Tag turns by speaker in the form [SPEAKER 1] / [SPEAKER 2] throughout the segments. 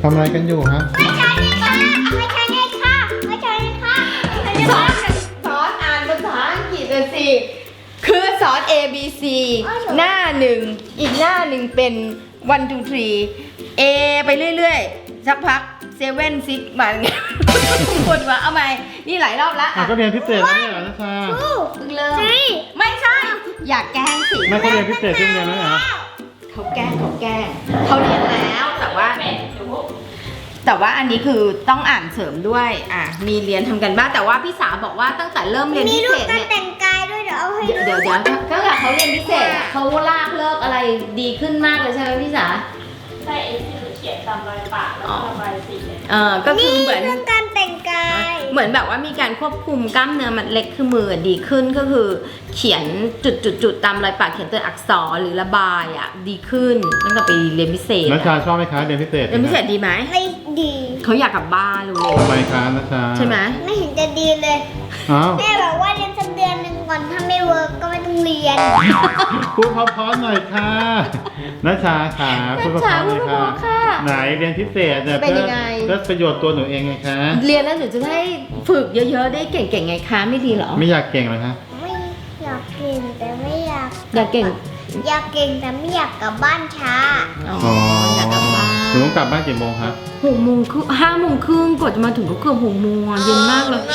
[SPEAKER 1] ำอะไรกันอยู่ฮะ
[SPEAKER 2] ไม่ใช่เลยค่ะไม่ใช่เลยค่ะไม่ใช่เลยค่ะ
[SPEAKER 3] สอนอ่านภาษาอังกฤษเลยสิคือสอน A B C หน้าหนึ่งอีกหน้าหนึ่งเป็น 1 2 3 A ไปเรื่อยๆสักพัก7 6มาไงปวดหัวเอาใหม่นี่หลายรอบแล้ว
[SPEAKER 1] ก็เรียนพิเศษแล้วเนี่ยเหรอนัชชา
[SPEAKER 3] เพิ่งเริ่มไม่ใช่ อยากแกล้งสิ
[SPEAKER 1] ไม่เขาเรียนพิเศษที่โรงเรียนแล้วเหรอ
[SPEAKER 3] เขาแกล้งเขาเรียนแล้วแต่ว่าอันนี้คือต้องอ่านเสริมด้วยมีเรียนทำกันบ้างแต่ว่าพี่สาบอกว่าตั้งแต่เริ่มเรียน
[SPEAKER 2] มี
[SPEAKER 3] พิ
[SPEAKER 2] รู
[SPEAKER 3] เศ
[SPEAKER 2] ป
[SPEAKER 3] ษ
[SPEAKER 2] การ
[SPEAKER 3] เนี่ย
[SPEAKER 2] แต่งกายด้วยเดี๋ยวเอาให้ดู
[SPEAKER 3] เดี๋ยวตั้งแต่เขาเรียนพิเศษเขาลากเลิกอะไรดีขึ้นมากเลยใช่ไหมพี่สา
[SPEAKER 4] ใช่ไอ้ที่หนูเขียนตามรอยปากแล้วก็ระบายสีเนี่ย
[SPEAKER 3] ก็คือเหมือน
[SPEAKER 2] เรื่องการแต่งกาย
[SPEAKER 3] เหมือนแบบว่ามีการควบคุมกล้ามเนื้อมัดเล็กคือมือดีขึ้นก็คือเขียนจุดตามรอยปากเขียนตัวอักษรหรือระบายดีขึ้นตั้งแต่ไปเรียนพิเศษ
[SPEAKER 1] นัชชาชอบไหมคะเรียนพิเศษ
[SPEAKER 3] เรียนพิเศษดีไหม
[SPEAKER 2] ไม่ดี
[SPEAKER 3] เขาอยากกลับบ้านรู้เลย
[SPEAKER 1] ทำไมคะนัชชา
[SPEAKER 3] ใช่ไหม
[SPEAKER 2] ไม่เห็นจะดีเลย
[SPEAKER 1] อ้าว
[SPEAKER 2] แม่บอกว่าเรียนสักเดือนหนึ่งก่อนถ้าไม่เวิร์กก็ไม่ต้องเรียน
[SPEAKER 1] พูดเพราะๆหน่อยค่ะนัชชาขาพูดเพราะๆหน่อยค่ะไหนเรียนพิเศษเนี่ยเพื่อประโยชน์ตัวหนูเองไงคะ
[SPEAKER 3] เรียนแล้วหนูจะได้ฝึกเยอะๆได้เก่งๆไงคะไม่ดีเหรอ
[SPEAKER 1] ไม่อยากเก่งเหรอคะ
[SPEAKER 2] ไม่อยากเก่งแต่ไม่อยาก
[SPEAKER 3] อยากเก่ง
[SPEAKER 2] อยากเก่งแต่ไม่อยากกลับบ้านช้า
[SPEAKER 3] อ๋ออยากกลับบ้าน
[SPEAKER 1] หนูต้องกลับบ้านกี่โมงคะ
[SPEAKER 3] 6:30 5:30กว่าจะมาถึงก็เกือบ6 โมงเย็นมากเลย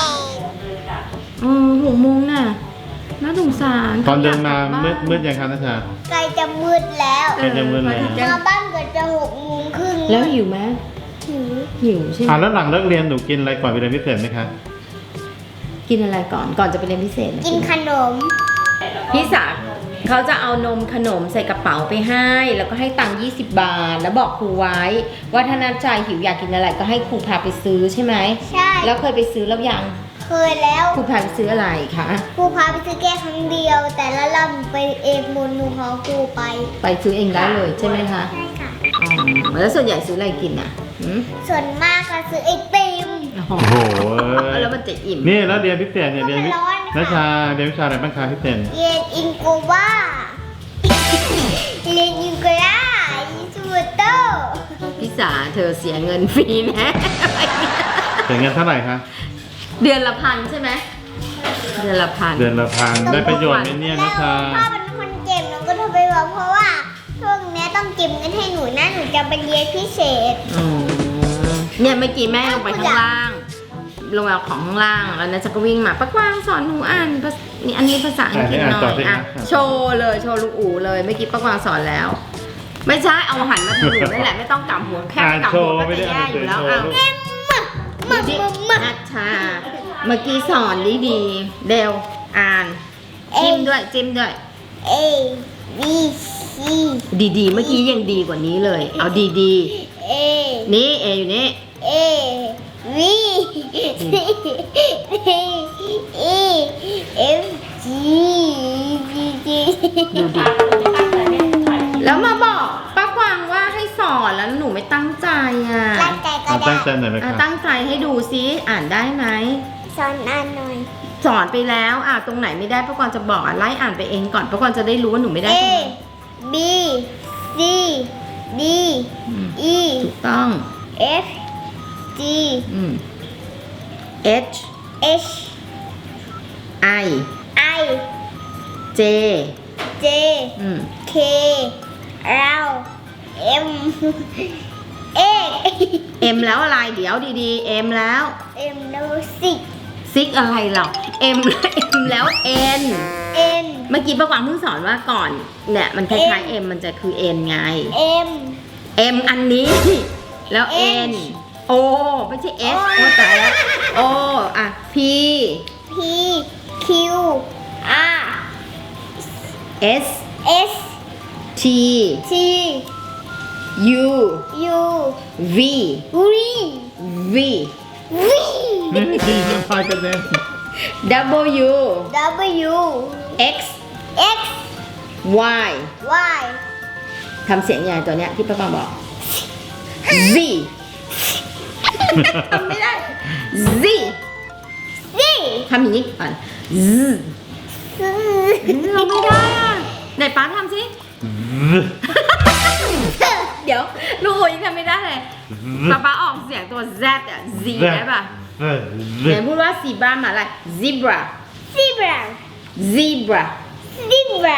[SPEAKER 3] 6 โมงน่ะน่าสงสาร
[SPEAKER 1] ตอนเดินมามืดยังคะนัชชา
[SPEAKER 2] ใกล้จะมืดแล้ว
[SPEAKER 1] ใกล้จะมืดแล้ว
[SPEAKER 2] มาบ้านเกิดจะ6:30
[SPEAKER 3] แล้วหิวไหม
[SPEAKER 2] หิว
[SPEAKER 3] ใช่ไหม
[SPEAKER 1] แล้วหลังเลิกเรียนหนูกินอะไรก่อนไปเรียนพิเศษไหมคะ
[SPEAKER 3] กินอะไรก่อนจะไปเรียนพิเศษะ
[SPEAKER 2] กินขนม
[SPEAKER 3] พี่สาเขาจะเอานมขนมใส่กระเป๋าไปให้แล้วก็ให้ตังค์20 บาทแล้วบอกครูไว้ว่าถ้านัดใจหิวอยากกินอะไรก็ให้ครูพาไปซื้อใช่ไหม
[SPEAKER 2] ใช่
[SPEAKER 3] แล้วเคยไปซื้อแล้วยัง
[SPEAKER 2] เคยแล้ว
[SPEAKER 3] ครูพาไปซื้ออะไรคะ
[SPEAKER 2] ครูพาไปซื้อแค่ครั้งเดียว แต่ละรอบหนูไปเองมูลหนูขอครูไป
[SPEAKER 3] ไปซื้อเองได้เลยใช่ไหมคะ
[SPEAKER 2] ใช่ค่ะ
[SPEAKER 3] แล้วส่วนใหญ่ซื้ออะไรกินอ่ะ
[SPEAKER 2] ส่วนมากก็ซื้อไอติม
[SPEAKER 1] โอ้โห
[SPEAKER 3] แล้วมันจะอิ่ม
[SPEAKER 1] นี่แล้วเรียนพิเศษเนี่ยเรียน
[SPEAKER 2] ร้อนค่ะ
[SPEAKER 1] นัชชาเรียนวิชาอะไรบ้างคะพิเศษ
[SPEAKER 2] เรียนอินโกวาเรียนอินโกลาอินสมูโต
[SPEAKER 3] พี่สาเธอเสียเงินฟรีแน่
[SPEAKER 1] เสียเงินเท่าไหร่คะ
[SPEAKER 3] เดือนละ1,000ใช่ไหมเดือนละ1,000
[SPEAKER 1] เดือนละพันได้ประโยชน์ไหมเนี่ย
[SPEAKER 2] แล้
[SPEAKER 1] นั
[SPEAKER 2] ว
[SPEAKER 1] ชชา
[SPEAKER 2] พ่อเป็นคนเก็บหนูก็โทรไปบอกเพราะว่าช่วงนี้ต้องเก็บเงินให้หนูนะหนูจะไปเรียนพิเศษ
[SPEAKER 3] เนี่ยเมื่อกี้แม่ลงไปข้างล่างลงไปเอาของข้างล่างแล้วนะจะก็วิ่งมาป้ากวางสอนหนูอ่านนี่อันนี้ภาษาอังกฤษหน่อยโชว์เลยโชว์ลูกอู๋เลยเมื่อกี้ป้ากวางสอนแล้ว ไม่ใช่เอาหันมาถูนั่นแหละไม่ต้องกำหัวแค่
[SPEAKER 1] อ่าน
[SPEAKER 3] กำ
[SPEAKER 1] โช
[SPEAKER 3] หัว
[SPEAKER 1] ว์
[SPEAKER 3] ก็
[SPEAKER 1] ไม่ได้
[SPEAKER 3] จะ
[SPEAKER 1] อ่า
[SPEAKER 3] แย่
[SPEAKER 1] น
[SPEAKER 3] อ
[SPEAKER 1] โช
[SPEAKER 3] ยู่
[SPEAKER 1] ว์
[SPEAKER 3] แล้ว
[SPEAKER 1] โชว์ลูก
[SPEAKER 3] นัชชาเมื่อกี้สอนดีเดวอ่านจิ้มด้วย
[SPEAKER 2] A B C
[SPEAKER 3] ดีๆเมื่อกี้ยังดีกว่านี้เลยเอาดี
[SPEAKER 2] A
[SPEAKER 3] ๆนี่เออยู่นี่
[SPEAKER 2] A V C E F G G
[SPEAKER 3] ดูดิแล้วมาบอกป้ากวางว่าให้สอนแล้วหนูไม่ตั้งใจอ่ะ
[SPEAKER 2] ตั้งใจก็
[SPEAKER 1] ตั้งใจ
[SPEAKER 2] ได้
[SPEAKER 1] หน่อยไหมคะ
[SPEAKER 3] ตั้งใจให้ดูซิอ่านได้ไหม
[SPEAKER 2] สอนอ่านหน่อย
[SPEAKER 3] สอนไปแล้วตรงไหนไม่ได้ป้ากวางจะบอกไล่อ่านไปเองก่อนป้ากวางจะได้รู้ว่าหนูไม่ได้
[SPEAKER 2] A
[SPEAKER 3] ตรงไหน
[SPEAKER 2] B C D
[SPEAKER 3] อืม
[SPEAKER 2] E
[SPEAKER 3] ถูกต้อง
[SPEAKER 2] F G
[SPEAKER 3] H
[SPEAKER 2] H
[SPEAKER 3] I
[SPEAKER 2] I
[SPEAKER 3] J
[SPEAKER 2] J
[SPEAKER 3] อืม
[SPEAKER 2] K L M A
[SPEAKER 3] M แล้วอะไรเดี๋ยวดีๆ M แล้ว
[SPEAKER 2] M แล้วสิ
[SPEAKER 3] ซิกอะไรหรอ M แล้ว N
[SPEAKER 2] N
[SPEAKER 3] เมื่อกี้ป้ากวางเพิ่งสอนว่าก่อนเนี่ยมันคล้ายๆ M มันจะคือ N ไง
[SPEAKER 2] M
[SPEAKER 3] M อันนี้ แล้ว N O ไม่ใช่ S โอ้ตายแล้ว O P
[SPEAKER 2] P Q R
[SPEAKER 3] S
[SPEAKER 2] S
[SPEAKER 3] T
[SPEAKER 2] T
[SPEAKER 3] U
[SPEAKER 2] U
[SPEAKER 3] V
[SPEAKER 2] V
[SPEAKER 3] V
[SPEAKER 2] V
[SPEAKER 1] นี่ดีจะพายกันเลย
[SPEAKER 3] W
[SPEAKER 2] W
[SPEAKER 3] X
[SPEAKER 2] X
[SPEAKER 3] Y
[SPEAKER 2] Y
[SPEAKER 3] ทำเสียงใหญ่ตัวเนี้ยที่ป้าปังบอก Z ทำไม่ได้ Z
[SPEAKER 2] Z
[SPEAKER 3] ทำอย่างนี้ก่อน Z เราไม่ได้อ่ะไหนป้าทำสิ เดี๋ยวลูกโอยังทำไม่ได้เลยป๊าออกเสียงตัว Z อ่ะ Z ได้ป่ะ
[SPEAKER 1] เออ
[SPEAKER 3] ไหนพูดว่าสีบ้านหมาอะไร zebra
[SPEAKER 2] zebra
[SPEAKER 3] zebra
[SPEAKER 2] zebra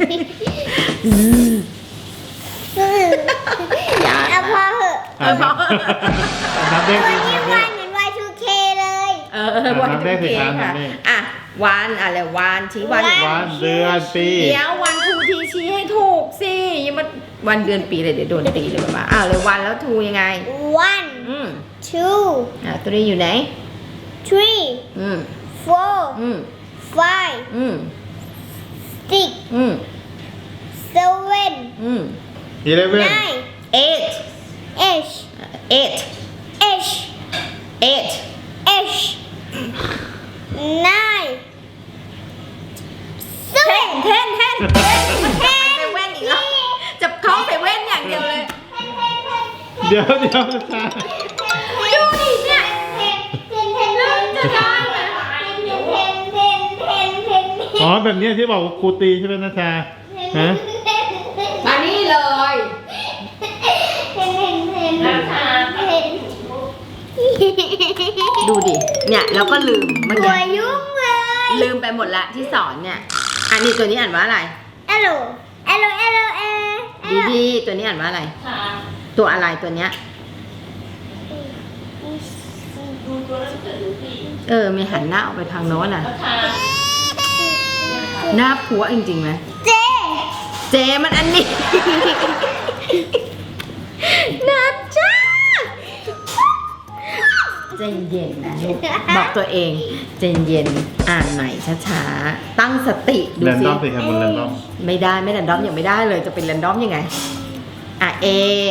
[SPEAKER 2] เอาพอเหอะ
[SPEAKER 1] นับเลข
[SPEAKER 2] วั
[SPEAKER 1] สิ
[SPEAKER 2] นนี้
[SPEAKER 1] นับเล
[SPEAKER 2] วัน
[SPEAKER 1] ข
[SPEAKER 2] เหมือน Y2K เลย
[SPEAKER 3] วัน
[SPEAKER 1] นับเลขสิ
[SPEAKER 3] เค
[SPEAKER 1] ครับนั
[SPEAKER 3] ค่ะ
[SPEAKER 1] บเลข
[SPEAKER 3] อ่ะวันอะไรวันชี้วัน
[SPEAKER 1] วันเดือนปี
[SPEAKER 3] เดี๋ยววันทูทีชี้ให้ถูกสิอยังมาวันเดือนปีเลยเดี๋ยวโดนตีเลยป้าเลยวันแล้วทูยังไง
[SPEAKER 2] one
[SPEAKER 3] 2
[SPEAKER 2] 2
[SPEAKER 3] ตัวนี้อยู่ไหน
[SPEAKER 2] 3
[SPEAKER 3] อืม
[SPEAKER 2] 4
[SPEAKER 3] อืม
[SPEAKER 2] 5
[SPEAKER 3] อืม
[SPEAKER 2] 6
[SPEAKER 3] อืม
[SPEAKER 2] 7
[SPEAKER 3] อืม
[SPEAKER 1] 11
[SPEAKER 2] 9
[SPEAKER 3] 8
[SPEAKER 2] 8
[SPEAKER 3] 8
[SPEAKER 2] 8
[SPEAKER 3] 8
[SPEAKER 2] 8 9
[SPEAKER 3] 10 ไปเว้นอีกแล้วจับเขาไปเว้นอย่างเดียวเลย
[SPEAKER 1] เดี๋ยวนะชา
[SPEAKER 3] ดูดิเนี่ยจะได้ไหม
[SPEAKER 1] อ๋อแบบนี้ที่บอกว่าครูตีใช่ไหมนะชาฮะ
[SPEAKER 3] มานี่เลย ดูดิ เนี่ยแล้วก็ลืมเมื่อ
[SPEAKER 2] หัว
[SPEAKER 3] กี้
[SPEAKER 2] ยุ่งเลย
[SPEAKER 3] ลืมไปหมดละที่สอนเนี่ย อันนี้ตัวนี้อ่านว่าอะไร
[SPEAKER 2] Hello Hello Hello
[SPEAKER 3] ดีๆตัวนี้อ่านว่าอะไร
[SPEAKER 4] ค่ะ
[SPEAKER 3] ตัวอะไรตัวเนี้ย
[SPEAKER 4] ดูตัวหนังสือสิ
[SPEAKER 3] มีหันหน้าออกไปทางโน้นน่ะ
[SPEAKER 4] ราคา
[SPEAKER 3] หน้าผัวจริงๆไหม
[SPEAKER 2] เจ
[SPEAKER 3] เจมันอันนี้ นะจ้าใจเย็นนะลูกบอกตัวเองใจเย็นอ่านใหม่ช้าๆตั้งสติดู
[SPEAKER 1] แรน
[SPEAKER 3] สิ
[SPEAKER 1] ดอมสิครับบนแรนดอม
[SPEAKER 3] ไม่ได้ไม่แรนดอมยังไม่ได้เลยจะเป็นแรนดอมยังไงเอ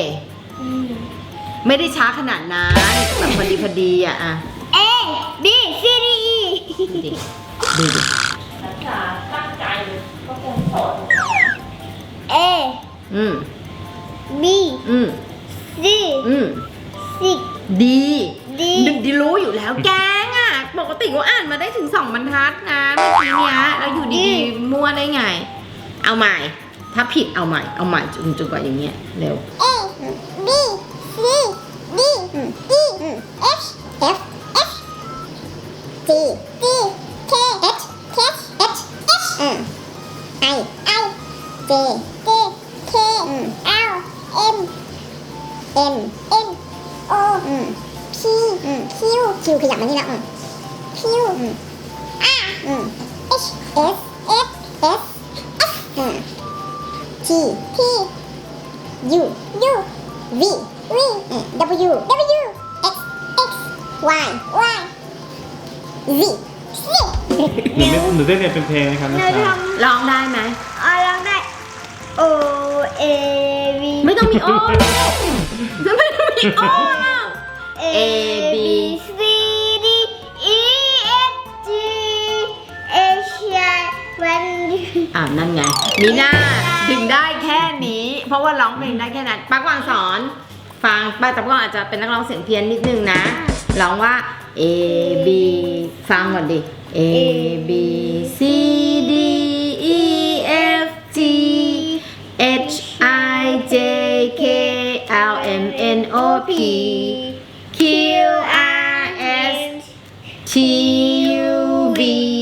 [SPEAKER 3] ไม่ได้ช้าขนาดนั้นแบบพอดีอ่ะ
[SPEAKER 2] A B C D E
[SPEAKER 3] ดูดิ
[SPEAKER 4] ราคาตั้งใจก็คงสอน
[SPEAKER 2] A
[SPEAKER 3] อืม
[SPEAKER 2] B
[SPEAKER 3] อืม
[SPEAKER 2] C
[SPEAKER 3] อืม
[SPEAKER 2] 6
[SPEAKER 3] ดี
[SPEAKER 2] D
[SPEAKER 3] ดีรู้อยู่แล้วแกงอ่ะปกติก็อ่านมาได้ถึง2 บรรทัดนะเมื่อกี้เนี้ยแล้วอยู่ดีๆมั่วได้ไง เอาใหม่ ถ้าผิดเอาใหม่จนกว่าอย่างเงี้ยเร็ว
[SPEAKER 2] A B C D E F F F G G K H K H H I I J J K L M N N O P Q Q ขยับมานี่แล้ว Q R H S S S F T T U U V V W W X X Y Y Z Z
[SPEAKER 1] หนูได้เรียนเป็นเพลงไหมครับนะชา
[SPEAKER 3] ร้องได้ไหม
[SPEAKER 2] ลองได้ O A V
[SPEAKER 3] ไม่ต้องมีโอไม่ต้องมีโอแล้ว
[SPEAKER 2] A B C D E F G H I
[SPEAKER 3] นั่นไงมีหน้าดึงได้แค่นี้ เพราะว่าร้องเพลงได้แค่นั้นป้ากวางสอนฟังป้าแต่ป้ากวางอาจจะเป็นนักร้องเสียงเพี้ยนนิดนึงนะร้องว่า A B ฟังก่อนดิ A B C D E F G H I J K L M N O P Q R S T U V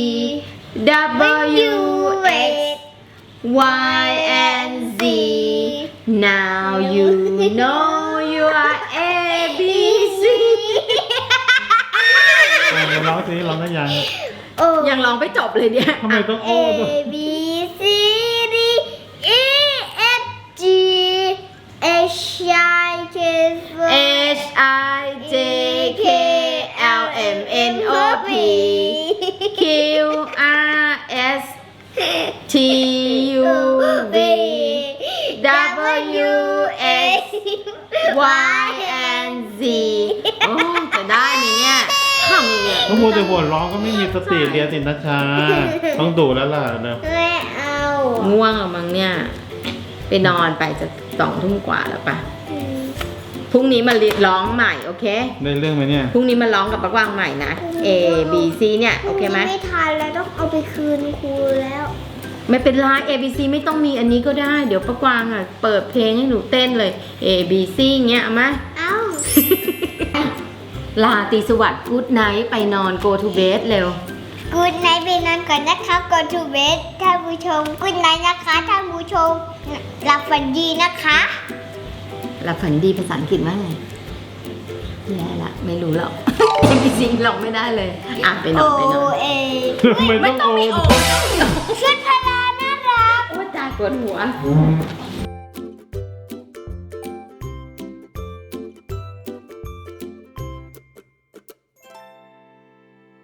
[SPEAKER 3] W X Y and Z Now you know you are A B C
[SPEAKER 1] ร้องสิร้องได้ยัง
[SPEAKER 3] ยังร้องไม่จบเลยเนี่ย
[SPEAKER 1] ทำไมต้องโอ้
[SPEAKER 2] A
[SPEAKER 1] ด้วย
[SPEAKER 2] B C D E F G H I J
[SPEAKER 3] H I J K L M N O P Q R S T U V W X Y and Z โอ้จะได้ไหมเนี่ยทำยังไง
[SPEAKER 1] ต้องมัวแต่หัวร้องก็ไม่มีสติเรียนสินะชาต้องดูแล้วล่ะเนอะ
[SPEAKER 2] ไม่เอา
[SPEAKER 3] ง่วงอะมั้งเนี่ย ไปนอนไปจะ2 ทุ่มกว่าแล้วปะพรุ่งนี้มาร้องใหม่โอเค
[SPEAKER 1] ได้เรื่องไหมเนี่ย
[SPEAKER 3] พรุ่งนี้มาร้องกับปักวางใหม่นะ A B C เนี่ยโอเคไหม
[SPEAKER 2] ไม่ทันแล้วต้องเอาไปคืนครูแล้ว
[SPEAKER 3] ไม่เป็นไร A B C ไม่ต้องมีอันนี้ก็ได้ เดี๋ยวปักวางอ่ะเปิดเพลงให้หนูเต้นเลย A B C เงี้ยเอามา
[SPEAKER 2] เอา
[SPEAKER 3] ลาตรีสวัสดิ์กู๊ดไนท์ไปนอน go to bed เร็ว
[SPEAKER 2] กูดไนท์ไปนอนก่อนนะคะก่อนทูเบสท่านผู้ชมกูดไนท์นะคะท่านผู้ชมหลับฝันดีนะคะ
[SPEAKER 3] หลับฝันดีภาษาอังกฤษว่าไงแย่ละไม่รู้หรอก จริงๆหลอกไม่ได้เลยอ่ะไปนอนไปนอน
[SPEAKER 2] เอ
[SPEAKER 1] ไม่ต้องโอน
[SPEAKER 2] ชุดพลาน่ารัก
[SPEAKER 3] โอ้ตายปวดหัว